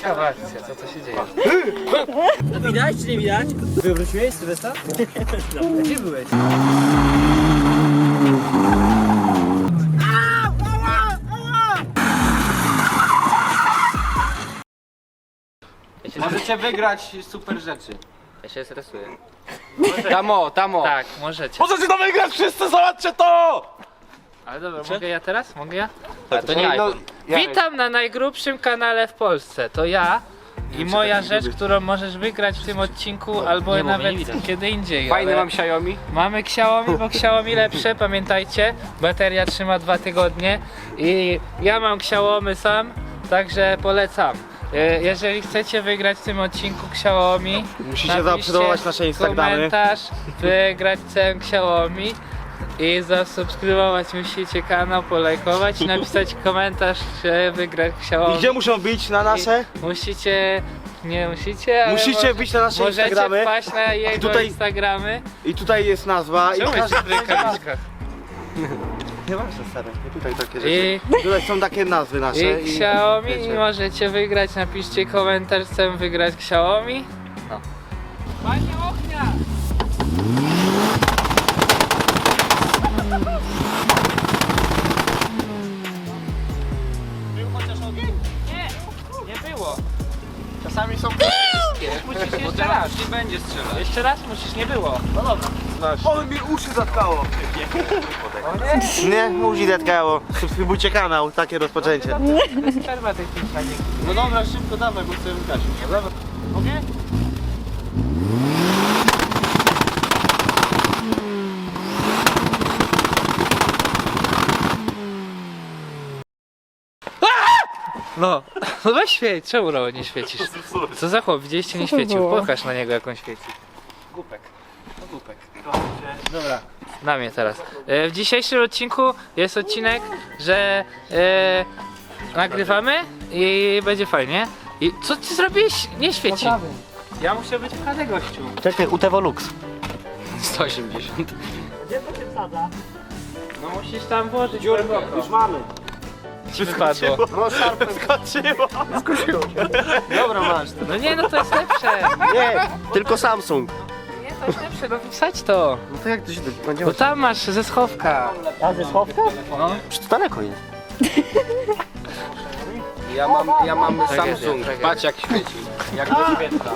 Ciekawa akcja, co to się dzieje? No widać czy nie widać? Wywróciłeś Sylwestra? Gdzie byłeś? Możecie wygrać super rzeczy. Ja się stresuję. Tamo. Tak, możecie. Możecie to wygrać wszyscy, zobaczcie to! Ale dobra, mogę ja teraz? Mogę ja? A to nie iPhone. Witam na najgrubszym kanale w Polsce. To ja i moja rzecz, którą możesz wygrać w tym odcinku albo nawet kiedy indziej. Fajny ale mam Xiaomi. mamy Xiaomi, bo Xiaomi lepsze, pamiętajcie. Bateria trzyma 2 tygodnie i ja mam Xiaomi sam, także polecam. Jeżeli chcecie wygrać w tym odcinku Xiaomi, Musicie zaobserwować nasze Instagramy. komentarz, wygrać całym Xiaomi i zasubskrybować musicie kanał, polajkować i napisać komentarz, że wygrać Xiaomi. I gdzie muszą być? Na nasze? Musicie, nie musicie, ale Musicie wbić na nasze możecie Instagramy. wpaść na jego Tutaj- Instagramy. I tutaj jest nazwa. Czemu I jest w rękawiczkach? Nie ważne, stary. Tutaj takie rzeczy. I, Tutaj są takie nazwy nasze. i Xiaomi wiecie. i możecie wygrać, napiszcie komentarz, chcę wygrać Xiaomi. No. Panie ognia! Był chociaż ogień? Nie było. Czasami są... Musisz jeszcze raz. Nie będzie strzelać. Jeszcze raz musisz, nie było. No dobra. Ale mi uszy zatkało. Nie, uszy zatkało. Subskrybujcie kanał, takie rozpoczęcie. Przerwa techniczna. No dobra, szybko dawaj, bo chcę wygrać. Mogę? No weź świeć, czemu Roło nie świecisz? Co za chłop, widzieliście, nie świecił, pokaż na niego jak on świeci. Głupek, to głupek. Dobra, na mnie teraz. W dzisiejszym odcinku jest odcinek, że nagrywamy i będzie fajnie. I co ty zrobiłeś? Nie świeci. Ja muszę być w KD gościu. Czekaj, UTV Lux. 180. No musisz tam włożyć głęboko. Już mamy. Ci wypadło. No szarpem skoczyło. Dobra, masz. No nie, no to jest lepsze. Nie, tylko Samsung. Nie, to jest lepsze, no wsadź to. No to jak to się będzie? Bo tam masz ze schowka. A ze schowka? No. Przecież to daleko jest. Ja mam Tragedia, Samsung. tragedia. Patrz jak świeci. Jak doświetla.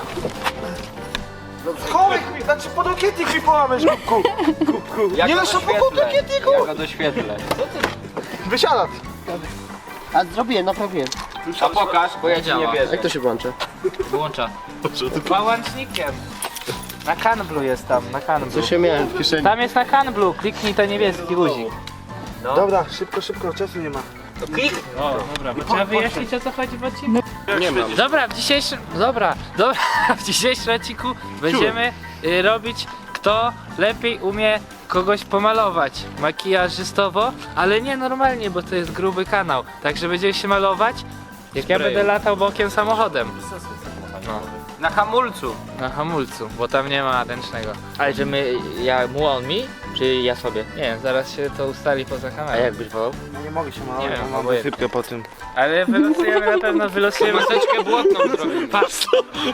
Schowek mi, znaczy podokietik mi połamiesz, kubku. Jak Nie go no, szybko po doświetlę. dokietiku. Jak go doświetlę. Wysiadać. A zrobiłem, naprawiłem. A pokaż, bo ja ci nie działa. wierzę. Jak to się włącza? Włącza. Pałącznikiem. Na Canblu jest tam, na Canblu. Co się miałem w kieszeni? Tam jest na Canblu, kliknij to niebieski guzik. Dobra, szybko, czasu nie ma. O, dobra, bo trzeba wyjaśnić o co chodzi w odcinku. Nie mam. Dobra, w dzisiejszym, w dzisiejszym odcinku będziemy robić kto lepiej umie kogoś pomalować makijażystowo, ale nie normalnie, bo to jest gruby kanał. Także będziemy się malować, jak ja będę latał bokiem samochodem. No, Na hamulcu. na hamulcu, bo tam nie ma ręcznego. Ale że mu on mi? Czy ja sobie? Nie wiem, zaraz się to ustali poza A kamerą. jak byś wolał? No nie mogę się malować, Nie wiem, bo mam obojętnie. wysypkę po tym. Ale wylosujemy na pewno, wylosujemy Maseczkę błotną zrobimy. Patrz.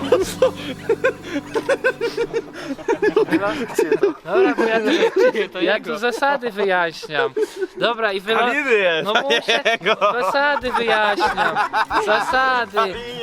Dobra, bo ja tu zasady wyjaśniam. Dobra i jest. No muszę, zasady wyjaśniam. Zasady.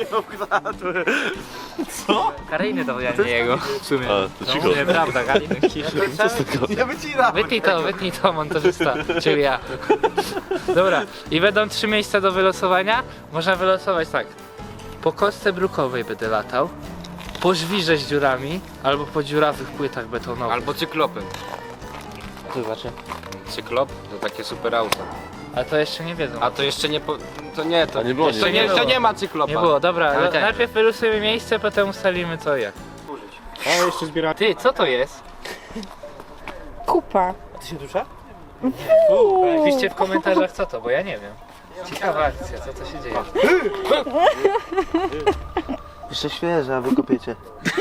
Karyjny to ja nie jego. W sumie. No, nie, prawda, Karyjny ciszy. Nie wycinam. Wytnij to montażysta, czyli ja. Dobra, i będą 3 miejsca do wylosowania. Można wylosować tak. Po kostce brukowej będę latał, po żwirze z dziurami, albo po dziurawych płytach betonowych. Albo cyklopem. Zobaczę. Cyklop to takie super auto. Ale to jeszcze nie wiedzą. A to jeszcze nie to nie to. nie było, Jeszcze nie nie, to było. nie ma cyklopa. Nie było, dobra, Ale tak. najpierw wylosujemy miejsce, potem ustalimy co i jak. A jeszcze zbieram. Ty, co to jest? Kupa. Ty się dusza? Piszcie w komentarzach co to, bo ja nie wiem. Ciekawa akcja, co to się dzieje. Jeszcze świeże, a wy kopiecie.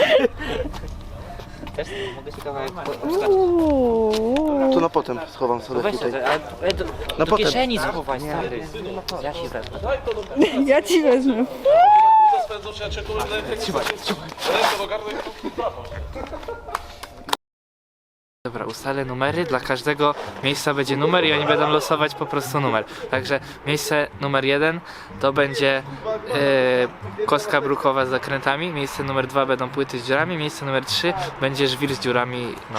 Też mogę ci kawałek To na potem schowam sobie Weź tutaj. to, ale No do potem. kieszeni schowaj, stary. Ja ci wezmę. Ja ci wezmę. Dobra, ustalę numery, dla każdego miejsca będzie numer i oni będą losować po prostu numer. Także miejsce numer 1 to będzie kostka brukowa z zakrętami, miejsce numer 2 będą płyty z dziurami, miejsce numer 3 będzie żwir z dziurami, no.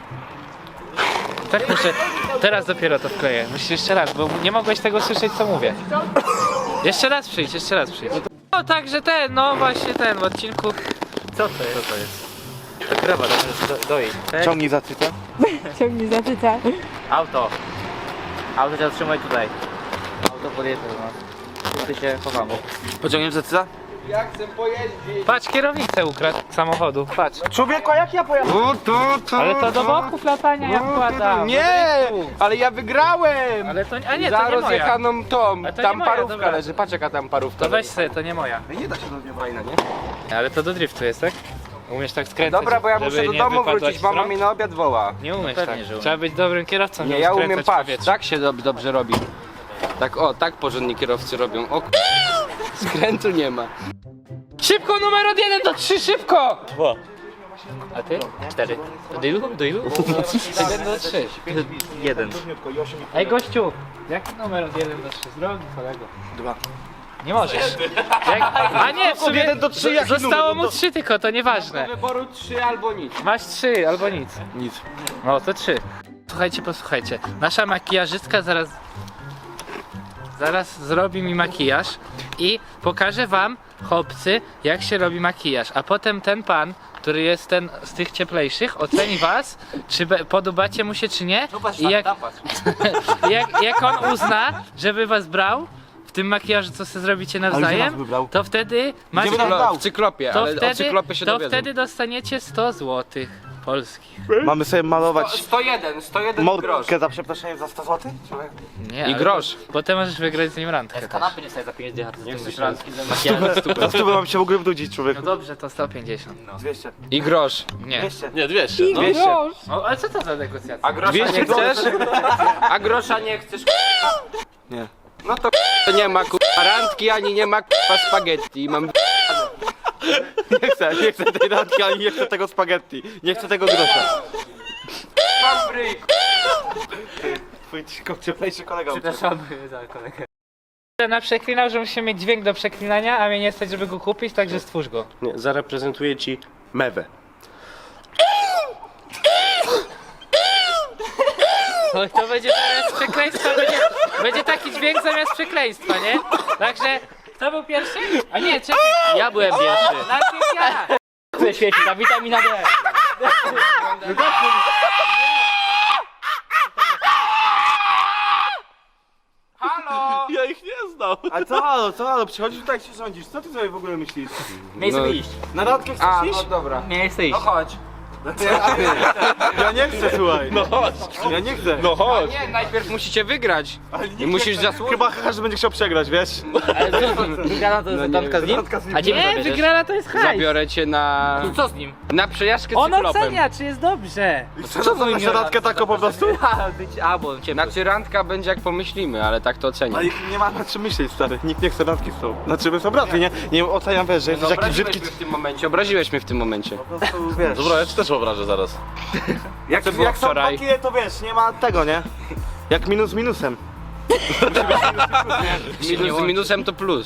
Tak muszę, teraz dopiero to wkleję, musisz jeszcze raz, bo nie mogłeś tego słyszeć co mówię. Jeszcze raz przyjdź, jeszcze raz przyjdź. No także ten, no właśnie ten w odcinku. Co to jest? Co to jest? To krowa, doi. Ciągnij za cytę. Ciągnij za cyta. Auto. Auto cię zatrzymaj tutaj. Auto podjedzie do nas. Ty się chowamy. Pociągniesz za cytę? Patrz, kierownicę ukradł samochodu, patrz. Człowieku, a jak ja pojechałem? Ale to do boków latania ja wkładam. Nie, ale ja wygrałem! Ale to, a nie, Za to nie moja. rozjechaną tą, Ale to tam nie moja, parówka dobra. leży, patrz jaka tam parówka To weź leży. sobie, to nie moja. Nie da się do mnie fajna, nie? Ale to do driftu jest, tak? Umiesz tak skręcać, Dobra, bo ja żeby muszę do nie domu wypadłaś wrócić, z mama rąk? mnie na obiad woła. Nie umiesz Pewnie, tak. że umiem. Trzeba być dobrym kierowcą, Nie, żeby ja skręcać umiem, w patrz, powietrzu. tak się dobrze robi. Tak, o, tak porządni kierowcy robią. O, skrętu nie ma. Szybko, numer od 1 do 3, szybko! 2. A ty? 4. Do ilu? Do ilu? 1 do 3. 1. Ej gościu, jaki numer od 1 do 3? Drogi kolego. 2. Nie możesz. A nie, w sumie 1 do 3 jaki zostało numer? mu 3 tylko, to nieważne. Wyboru 3 albo nic. Masz 3 albo nic. Nic. No to 3. Słuchajcie, posłuchajcie. Nasza makijażystka zaraz zrobi mi makijaż i pokaże wam, chłopcy, jak się robi makijaż. A potem ten pan, który jest ten z tych cieplejszych, oceni was, czy podobacie mu się, czy nie. I jak on uzna, żeby was brał w tym makijażu, co sobie zrobicie nas nawzajem, wybrał? to wtedy macie, Gdzie by nas brał? W cyklopie, ale o cyklopie się to dowiedzą. wtedy dostaniecie 100 zł polskich. Mamy sobie malować 101 grosz. mordkę za przeproszeniem za 100 zł? Nie, I ale grosz. Potem możesz wygrać z nim randkę też. Kanapy nie staje za 5 dychar. Nie chcesz randki. Za 100 mam się w ogóle wnudzić, No człowieku. dobrze, to 150. 200. I grosz. Nie. 200. Nie, 200. I grosz. No, ale co to za negocjacja? A grosza 200 nie chcesz? A grosza nie chcesz? Nie. No to nie ma randki, ani nie ma spaghetti. Mam Nie chcę tej randki, ani nie chcę tego spaghetti. Nie chcę tego grosza. fabryk. Twój cieplejszy kolega. Przepraszamy za kolegę. Na przeklinał, że musimy mieć dźwięk do przeklinania, a mnie nie stać, żeby go kupić, także stwórz go. Nie, zareprezentuję ci mewę. No, to będzie zamiast przekleństwa, będzie taki dźwięk zamiast przekleństwa, nie? Także, kto był pierwszy? A nie, czekaj. Ja byłem pierwszy. Najpierw ja. Tu świeci ta witamina D. Halo! Ja ich nie znam. A co halo, przychodzisz tutaj się rządzisz, co ty sobie w ogóle myślisz? Miejsce No. iść. Na randkę chcesz A, iść? no dobra. Miejsce iść. No chodź. Ja nie chcę, słuchaj. No chodź. Ja nie chcę. No chodź. Nie, najpierw musicie wygrać. I musisz zasłużyć. Chyba każdy będzie chciał przegrać, wiesz? Ale co, wygrana to jest randka z nim? A gdzie mnie Nie, zabierzesz? wygrana to jest hajs. Zabiorę cię na... Co z nim? Na przejażdżkę On cyklopem. ocenia, czy jest dobrze. Co to na randkę taką po prostu? Bo cię Znaczy randka będzie jak pomyślimy, ale tak to ocenię. Ale nie ma na czym myśleć, stary. Nikt nie chce randki z tobą. Znaczy, my są braty, nie? Nie oceniam, wiesz, że jesteś jakiś brzydki... Obraziłeś mnie w tym momencie. Po prostu, wiesz... Dobra, ja ci też obrażę zaraz. Jak, było jak są wczoraj? takie, to wiesz, nie ma tego, nie? Jak minus minusem. Minus z minusem to plus.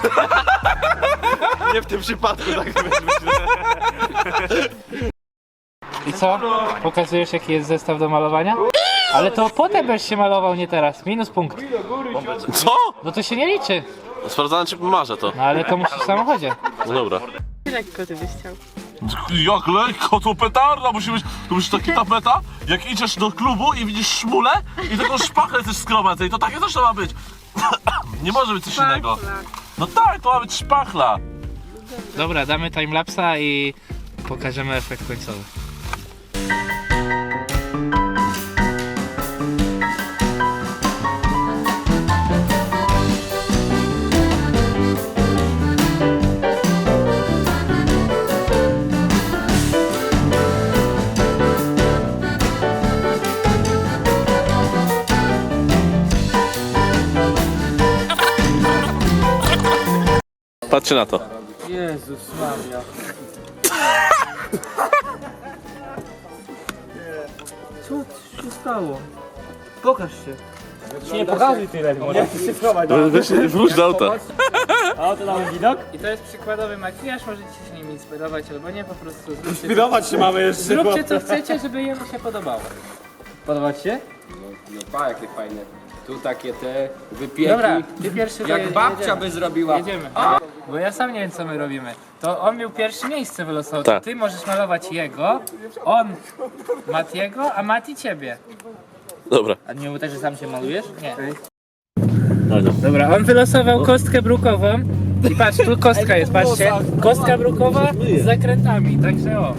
Nie w tym przypadku, tak myślę. I co? Pokazujesz, jaki jest zestaw do malowania? Ale to potem będziesz się malował, nie teraz. Minus punkt. Co? No to się nie liczy. Sprawdzałem, czy pomarzę to. No ale to musisz w samochodzie. No dobra. Lekko ty byś chciał. Jak lekko, to petarda musi być. To musi taki tapeta, jak idziesz do klubu i widzisz szmulę i taką szpachlę też skromadzę i to takie też to ma być. Nie może być coś innego. No tak, to ma być szpachla. Dobra, damy timelapsa i pokażemy efekt końcowy. Patrzcie na to. Jezus Maria. Co się stało? Pokaż się. Nie pokazuj tyle, może. Wróć do auta. A to mamy widok? I to jest przykładowy makijaż, możecie się nim inspirować albo nie, po prostu zróbcie, Inspirować się mamy jeszcze. zróbcie co chcecie, żeby jemu się podobało. Podoba ci się? No pa, jakie fajne. Tu takie te wypieki. Dobra, ty pierwszy to Jak babcia jedziemy. by zrobiła. Jedziemy. Bo ja sam nie wiem co my robimy. To on miał pierwsze miejsce wylosował. Tak. Ty możesz malować jego, on Matiego, a Mati ciebie. Dobra. A nie było tak, że sam się malujesz? Nie. Dobra, on wylosował kostkę brukową. I patrz, tu kostka jest, patrzcie. Kostka brukowa z zakrętami, także o.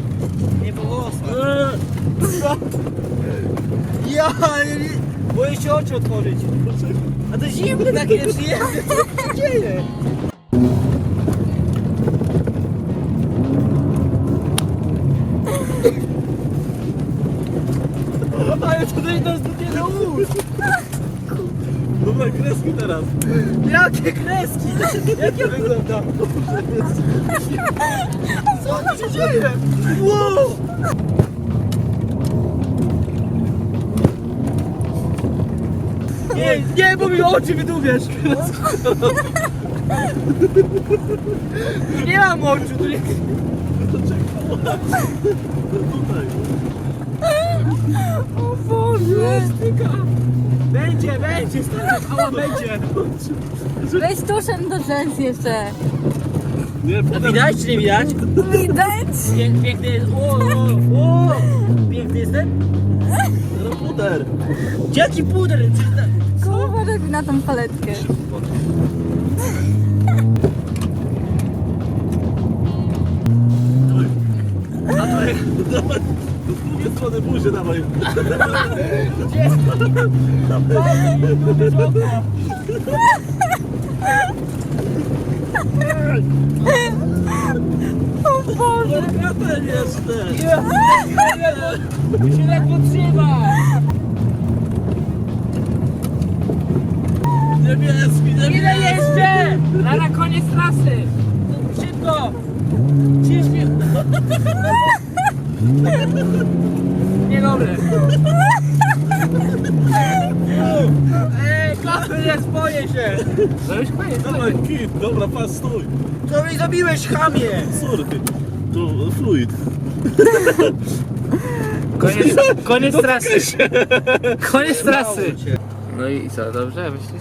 Ja boję się oczy otworzyć. A to zimne takie jest, co się dzieje? Ale tutaj nas dopiero łóż. Dobra, kreski teraz. Jakie kreski? Jak ja wyglądam? Co tu się dzieje? Wow! Nie, bo mi oczy wydłubiasz. Nie mam oczu, tu nie... O Boże! Będzie, stary, ała, będzie. Weź tuszem do rzęs jeszcze. Widać czy nie widać? Widać? Piękny jest, piękny jestem? No puder. Jaki puder? Kurwa, robi na tą paletkę. Z drugiej strony buzię dawaj. O Boże! Kapel jeszcze. Się ledwo trzyma. Niebieski. Ile jeszcze? Na koniec trasy! Szybko. Ciężkie. Niedobre. Kapel jest, boję się. No już koniec. Dawaj, kit. Dobra, pas, stój. Co mi zrobiłeś, chamie? Sorry. To fluid. Koniec trasy. Koniec trasy. No i co, dobrze myślisz?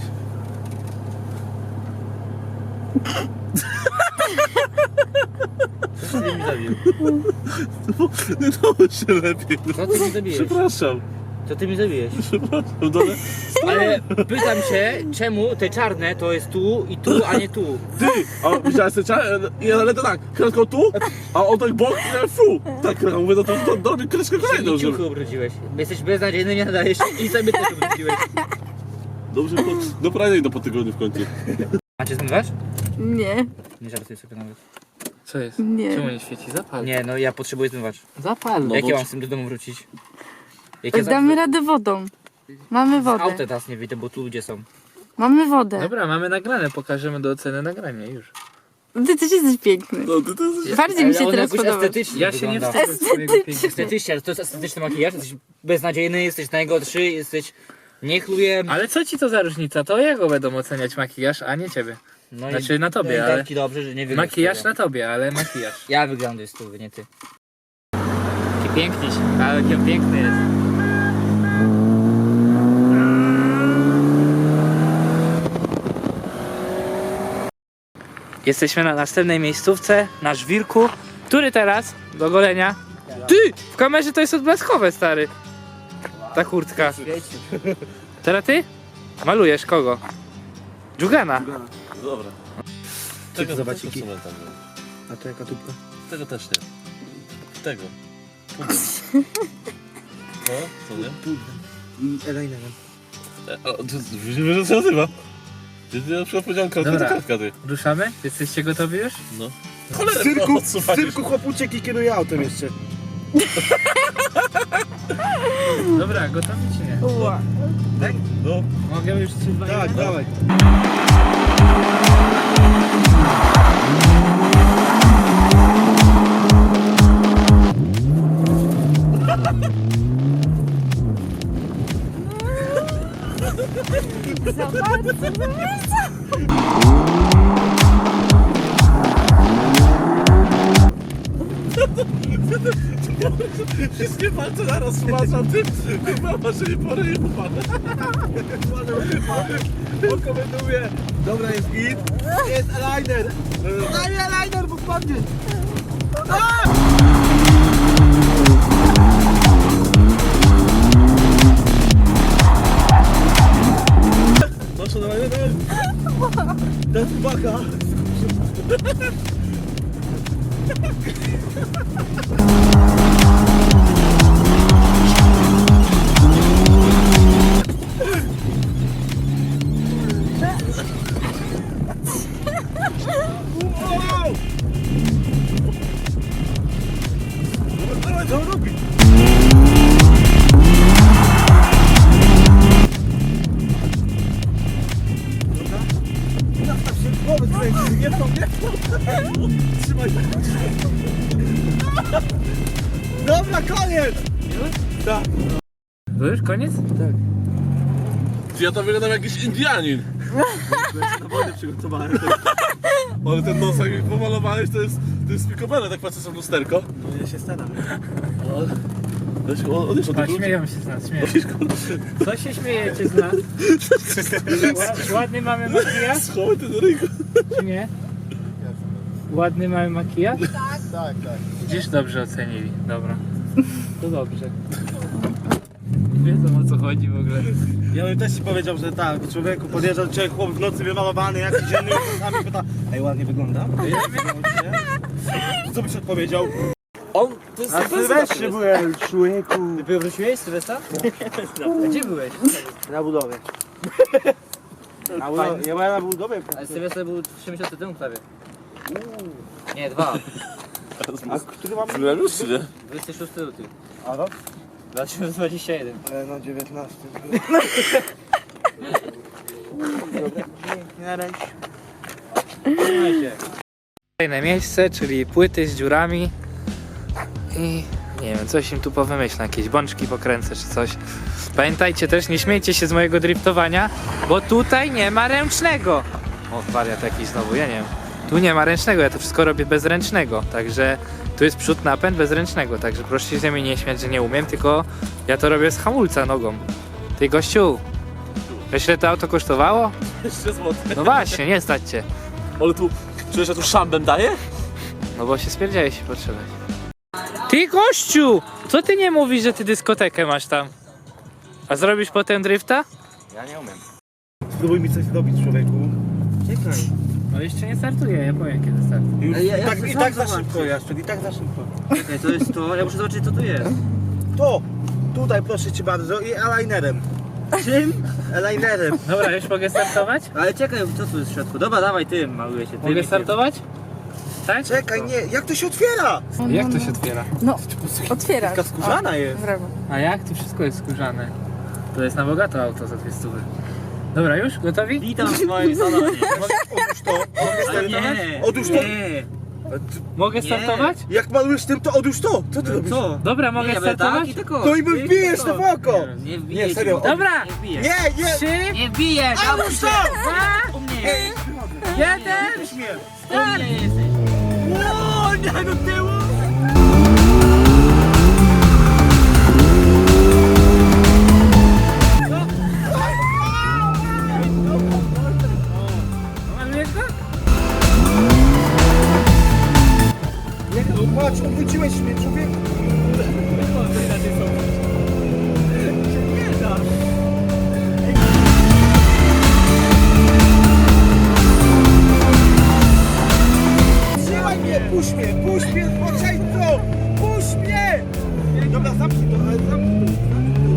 Co ty mi zabił? Nie dało się lepiej. Co ty mi zabiłeś? Przepraszam. Co ty mi zabiłeś? Przepraszam, dole. Ale pytam się, czemu te czarne to jest tu i tu, a nie tu? Ty! A widziałeś ten czas? Ale to tak, kreską tu, a on tak bok, fu! Tak, mówię, no to robię kreskę kolejną, I żeby... ciuchy ubrudziłeś. Jesteś beznadziejny, nie nadajesz się i sobie też ubrudziłeś. Dobrze, do prania idę po tygodniu w końcu. Macie zmywasz? Nie, Nie żartuję sobie nawet. Co jest? nie. Czemu nie świeci? Zapal. Nie, no ja potrzebuję zmywacz. Zapal. No Jak bo- ja mam z tym do domu wrócić? Jak ja Damy radę wodą. Mamy z auta wodę. teraz nie wyjdę, bo tu ludzie są. Mamy wodę. Dobra, mamy nagrane, pokażemy do oceny nagranie już. Ty też jesteś piękny. No, to jest... Bardziej mi się on teraz jakoś podoba. estetycznie Ja się nie wygląda. wstydzę swojego piękna. Estetycznie, ale to jest estetyczny makijaż, jesteś beznadziejny, jesteś najgorszy, jesteś niechluję. Ale co ci to za różnica? To ja go będą oceniać makijaż, a nie ciebie. No Znaczy na tobie, no i ale- tak ci dobrze, że nie wyglądasz. Makijaż na tobie, ale makijaż. Ja wyglądam z tu, nie ty. Jaki piękny, ale jaki piękny jest. Jesteśmy na następnej miejscówce, na żwirku, który teraz do golenia. Ty! W kamerze to jest odblaskowe, stary. Ta kurtka. Teraz ty? Malujesz kogo? Dżugana. Dobra. Tego zobaczyki. A to jaka tubka? Tego też nie. Tego. Puder. No, co nie? Eyelinerem. O, wiesz, że się nazywa? Ja na przykład powiedziałem kartka Dobra. to kartka, ty. Ruszamy? Jesteście gotowi już? No. Z cyrku chłop uciekł i kieruje autem jeszcze. Dobra, gotowi czy nie? Ła. No. Mogę już 3, 2, 1? Tak, dawaj. Wszystkie palce naraz wmaczam, ty mama, że nie porę nie upadnę. Pokomentuję. Dobra, jest git. Jest aligner. Daj aligner, bo wpadnie. Proszę, dawaj, dawaj. Daj baka. Dawaj, co on robi? Nastaw się w głowę, kręci, nie to, nie to. Trzymaj tak. Dobra, koniec! Tak. To już koniec? Tak. Ja to wyglądam jak jakiś Indianin. Na wojnę przygotowałem. Ale ten nos jak pomalowałeś, to jest pikobele, tak patrzę sobie w lusterko. No ja się staram. Odejść od A, tego. śmieją się z nas, śmieją. Co się śmiejecie z nas? Ładny mamy makijaż, Schowaj ten ryjko. czy nie? Ładny mamy makijaż? Tak. Widzisz, dobrze ocenili, dobra. To dobrze. Wiedzą o co chodzi w ogóle. Ja bym też ci powiedział, że tak, człowieku podjeżdżał cię chłop w nocy wymalowany, jakiś dzienny czasami pyta, ej, ładnie wygląda? Co byś odpowiedział? On, to jest A Sylwestrze byłem, człowieku. Ty wróciłeś, Sylwestra? Gdzie byłeś? Na budowie. Ja byłem na budowie. Ale Sylwester był 3 miesiące temu prawie. Nie, 2. A który mam? Byłem już, czy nie? 26 luty. A rok? 2021. No 19. Na razie. Trzymaj się. Kolejne miejsce, czyli płyty z dziurami i nie wiem, coś im tu powymyślę, jakieś bączki pokręcę czy coś. Pamiętajcie też, nie śmiejcie się z mojego driftowania, bo tutaj nie ma ręcznego. O, wariat jakiś znowu, ja nie wiem. Tu nie ma ręcznego, ja to wszystko robię bez ręcznego, także tu jest przód, napęd bez ręcznego, także proszę się ze mnie nie śmiać, że nie umiem, tylko ja to robię z hamulca nogą. Ty gościu, wiesz ile to auto kosztowało? Jeszcze złoty. No właśnie, nie stać cię. Ale tu, czujesz, że tu szambem daje? No bo się spierdziałeś się potrzebać. Ty gościu! Co ty nie mówisz, że ty dyskotekę masz tam? A zrobisz potem drifta? Ja nie umiem. Spróbuj mi coś zrobić, człowieku. Czekaj. No jeszcze nie startuję, ja powiem kiedy startuję. Już, Ja i chcę tak sam za szybko, zobaczyć. Jaszczur, i tak za szybko. Czekaj, to jest to. Ja muszę zobaczyć co tu jest. To! Tutaj proszę cię bardzo i alignerem. Czym? Alignerem. Dobra, już mogę startować? Ale czekaj, co tu jest w środku? Dobra, dawaj tym, maluję się. Tym Mogę i tym. startować? Tak? Czekaj, nie, jak to się otwiera? Jak to się otwiera? No, otwierasz. Taka skórzana O, jest. Brawo. A jak? Tu wszystko jest skórzane. To jest na bogato auto za 200. Dobra, już? Gotowi? Witam w moim salonie. Otóż to. Ale nie. Otóż to. Nie. Mogę Nie. startować? Jak malujesz tym, to odłóż to. Co ty robisz? Co? Dobra, mogę Nie, ja będę startować? tak i tylko. No i my wbijesz to w oko. Nie wbijesz. Nie, serio. Dobra! Nie wbijesz. Nie, nie. 3, Nie wbijesz. Odłóż to. U mnie jest. 1! U mnie jesteś. O, nie do tyłu. Malujesz go? No patrz, odwróciłeś mnie, człowieku. Trzymaj mnie, puść mnie, spoczęto! Puść mnie! Dobra, zamknij to, ale zamknij to.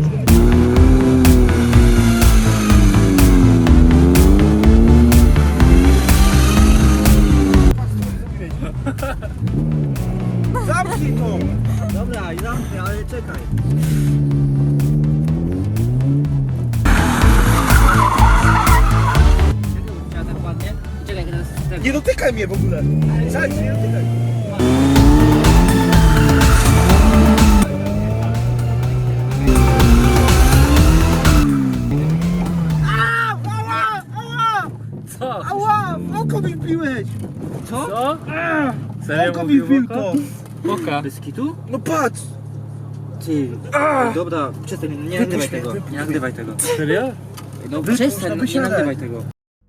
Zamknij to! Dobra, i zamknę, ale czekaj. Czekaj, bo chciała tak ładnie. Czekaj, teraz tak. Nie dotykaj mnie w ogóle. Słuchaj, nie dotykaj. Co? Ała! W oko mi wbiłeś! Co? W Serio oko mi mówił wbił oko? to! Oka. Bez kitu? No patrz! Ty, dobra, przestań, nie nagrywaj tego, nie nagrywaj tego. Serio? No Wypuść, przestań, no nie wysiadaj. nagrywaj tego.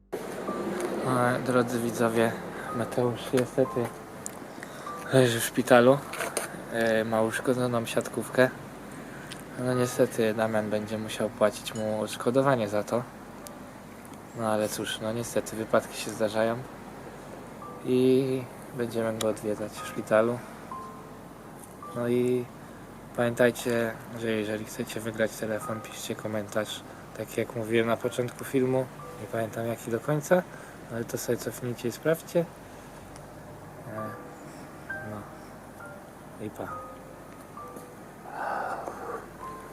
Drodzy widzowie, Mateusz niestety leży w szpitalu. Ma uszkodzoną siatkówkę. No niestety Damian będzie musiał płacić mu odszkodowanie za to. No ale cóż, no niestety wypadki się zdarzają. I będziemy go odwiedzać w szpitalu. No i pamiętajcie, że jeżeli chcecie wygrać telefon, piszcie komentarz. Tak jak mówiłem na początku filmu, nie pamiętam jaki do końca, ale to sobie cofnijcie i sprawdźcie. No i pa.